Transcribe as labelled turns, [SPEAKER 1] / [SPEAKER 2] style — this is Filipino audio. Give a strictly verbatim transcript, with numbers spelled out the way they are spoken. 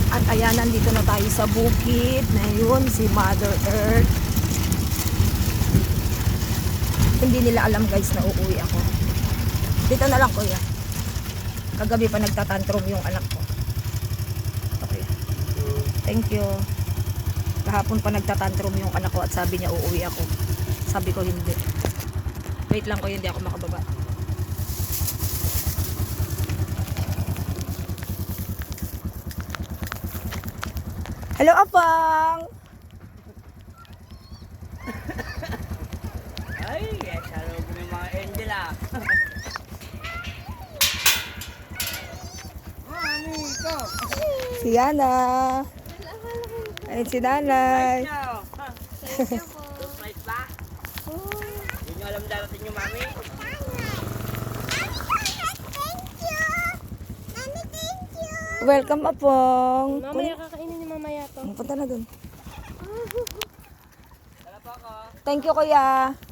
[SPEAKER 1] At ayan, nandito na tayo sa bukid na yun, si Mother Earth. Hindi nila alam guys na uuwi ako. Dito na lang kuya. Kagabi pa nagtatantrum yung anak ko. Okay. Thank you. Kahapon pa nagtatantrum yung anak ko at sabi niya uuwi ako. Sabi ko hindi. Wait lang ko, hindi ako makababa. Hello, Apang!
[SPEAKER 2] Ay, yes, hello po yung mga angel ah. Mami, ito.
[SPEAKER 1] Si Yana. Ayun si nanay.
[SPEAKER 2] Thank you po. Surprise ba? Hindi nyo alam darating yung mami?
[SPEAKER 1] Welcome, Apong.
[SPEAKER 3] Mamaya kakainin ni mamaya to.
[SPEAKER 1] Punta na dun.
[SPEAKER 2] Tala po ako.
[SPEAKER 1] Thank you, kuya.